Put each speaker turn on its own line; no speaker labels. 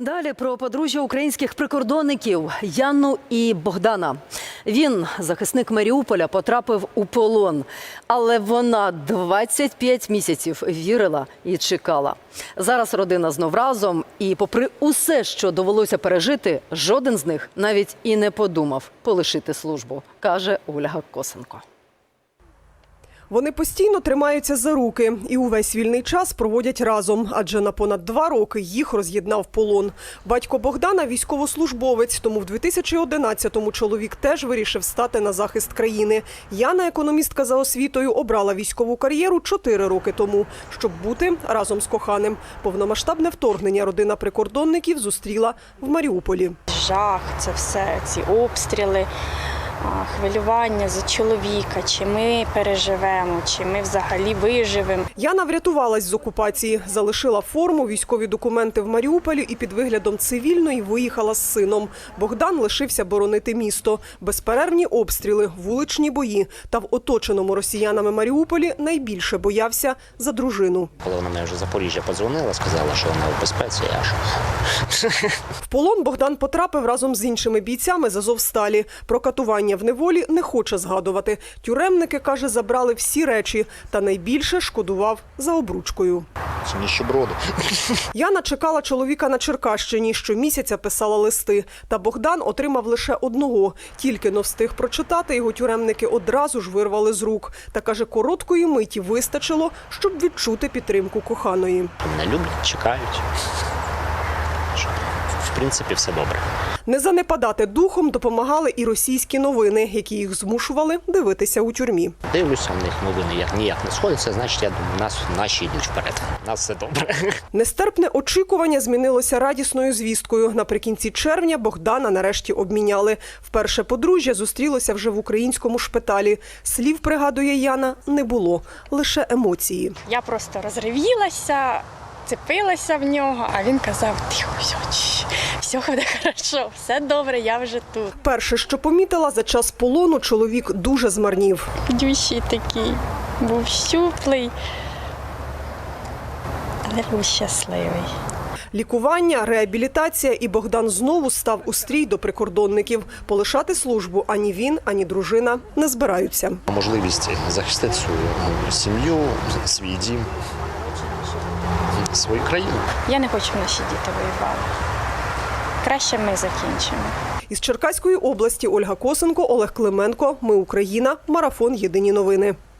Далі про подружжя українських прикордонників Яну і Богдана. Він, захисник Маріуполя, потрапив у полон. Але вона 25 місяців вірила і чекала. Зараз родина знов разом. І попри усе, що довелося пережити, жоден з них навіть і не подумав полишити службу, каже Ольга Косенко.
Вони постійно тримаються за руки і увесь вільний час проводять разом, адже на понад 2 роки їх роз'єднав полон. Батько Богдана – військовослужбовець, тому в 2011-му чоловік теж вирішив стати на захист країни. Яна, економістка за освітою, обрала військову кар'єру 4 роки тому, щоб бути разом з коханим. Повномасштабне вторгнення родина прикордонників зустріла в Маріуполі.
Жах, це все, ці обстріли. Хвилювання за чоловіка, чи ми переживемо, чи ми взагалі виживемо.
Яна врятувалась з окупації, залишила форму, військові документи в Маріуполі і під виглядом цивільної виїхала з сином. Богдан лишився боронити місто. Безперервні обстріли, вуличні бої. Та в оточеному росіянами Маріуполі найбільше боявся за дружину.
Коли вона мені вже з Запоріжжя подзвонила, сказала, що вона у безпеці,
В полон Богдан потрапив разом з іншими бійцями з Азовсталі. Про катування в неволі не хоче згадувати. Тюремники, каже, забрали всі речі. Та найбільше шкодував за обручкою.
Це ніщеброди.
Яна чекала чоловіка на Черкащині. Щомісяця писала листи. Та Богдан отримав лише одного. Тільки но встиг прочитати, його тюремники одразу ж вирвали з рук. Та, каже, короткої миті вистачило, щоб відчути підтримку коханої.
Мене люблять, чекають. В принципі, все добре.
Не занепадати духом допомагали і російські новини, які їх змушували дивитися у тюрмі.
Дивлюся, в них новини ніяк не сходяться, значить, я думаю, наші йдуть вперед. У нас все добре.
Нестерпне очікування змінилося радісною звісткою. Наприкінці червня Богдана нарешті обміняли. Вперше подружжя зустрілося вже в українському шпиталі. Слів, пригадує Яна, не було, лише емоції.
Я просто розривілася, цепилася в нього, а він казав: тихо, все буде хорошо, все добре, я вже тут.
Перше, що помітила, за час полону чоловік дуже змарнів.
Дющий такий, був щуплий, але був щасливий.
Лікування, реабілітація, і Богдан знову став у стрій до прикордонників. Полишати службу ані він, ані дружина не збираються.
Можливість захистити свою сім'ю, свій дім, свою країну.
Я не хочу, щоб наші діти воювали. Краще ми закінчимо.
Із Черкаської області Ольга Косенко, Олег Клименко. Ми Україна. Марафон. Єдині новини.